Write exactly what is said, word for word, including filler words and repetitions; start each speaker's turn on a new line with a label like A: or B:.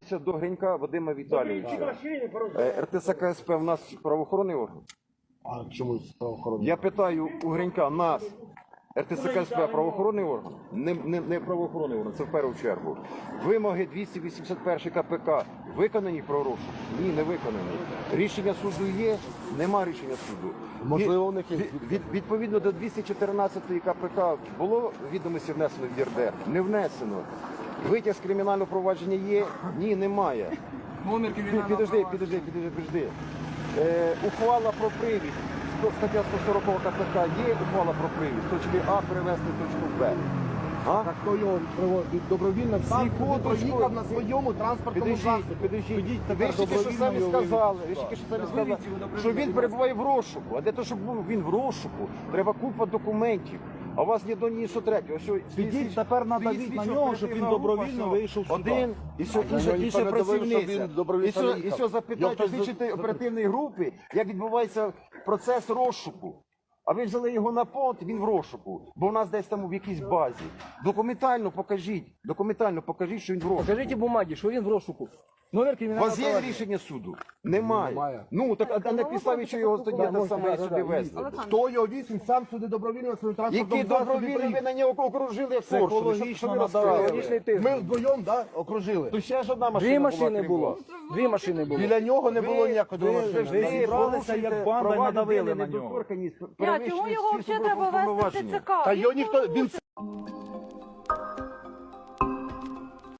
A: До Гринька Вадима Віталійовича. Р Т С К С П в нас правоохоронний орган?
B: А чому правоохоронний?
A: Я питаю у Гринька, нас Р Т С К С П правоохоронний орган? Не, не, не правоохоронний орган, це в першу чергу. Вимоги двісті вісімдесят першої К П К виконані про розшук? Ні, не виконані. Рішення суду є? Нема рішення суду.
B: Можливо, у них є.
A: Від, від, відповідно до двісті чотирнадцятої К П К було відомості внесено в Є Р Д? Не внесено. Витяг з кримінального провадження є? Ні, немає. Пі- Підожди, підожди, підожди, підожди. Е, ухвала про привід. Сто- Стаття сто сорок К П К є ухвала про привід. З точки А перевести в точку Б. А?
B: Так хто його приводить добровільно сам
A: Секундочку.
B: проїхав на своєму транспортному
A: Підождіть,
B: засобі.
A: підождіть.
B: Підіть
A: Ви
B: тепер
A: ж тільки що
B: добровільно
A: самі
B: його
A: сказали,
B: вивезти.
A: ви ж тільки що самі сказали, що він перебуває в розшуку. А для того, щоб був він в розшуку, треба купа документів. А у вас ні до ні, що третього. Що
B: Підіть тепер надавіть на нього, щоб він добровільно вийшов сюди.
A: Один, і все,
B: А
A: інша,
B: його ніхто
A: інша
B: не давив, щоб
A: працівниця.
B: він добровільно
A: І все, і
B: їхав.
A: все запитайте
B: Його хтось
A: слідчої
B: за-
A: оперативної групи, як відбувається процес розшуку. А ви взяли його на понт, він в розшуку, бо в нас десь там в якійсь базі. Документально покажіть, документально покажіть, що він в розшуку.
C: Покажіть бумаги, що він в розшуку. Номер
A: У
C: кримінального
A: вас є
C: провадження.
A: рішення суду? Немає.
B: Немає.
A: Ну, так а на підставі, що його тоді те саме сюди везли.
B: Хто його віз, він сам сюди добровільно на своєму транспортному
A: Які
B: засобі
A: добровільно ви
B: приїхав.
A: на нього окружили як форшу? Ви що- що ви розказуєте?
C: Психологічний тиск.
B: Ми вдвоєм, да, окружили.
A: То ще ж одна машина
C: Дві
A: була,
C: машини
A: крім
C: було.
A: вас.
C: Дві машини було.
B: Біля нього не було ніякого
A: Ви
B: машини.
A: ж
D: Ви
A: ви
D: зібралися як
A: порушуєте
D: банда і
A: права
D: надавили
A: людини,
D: на нього.
A: недоторканність,
E: Я,
A: перевищуєте
E: чому його
A: всі
E: взагалі
A: службові
E: треба вести в
A: повноваження.
E: Т Ц К?
B: Та його
E: Він
B: ніхто,
E: порушив.
B: він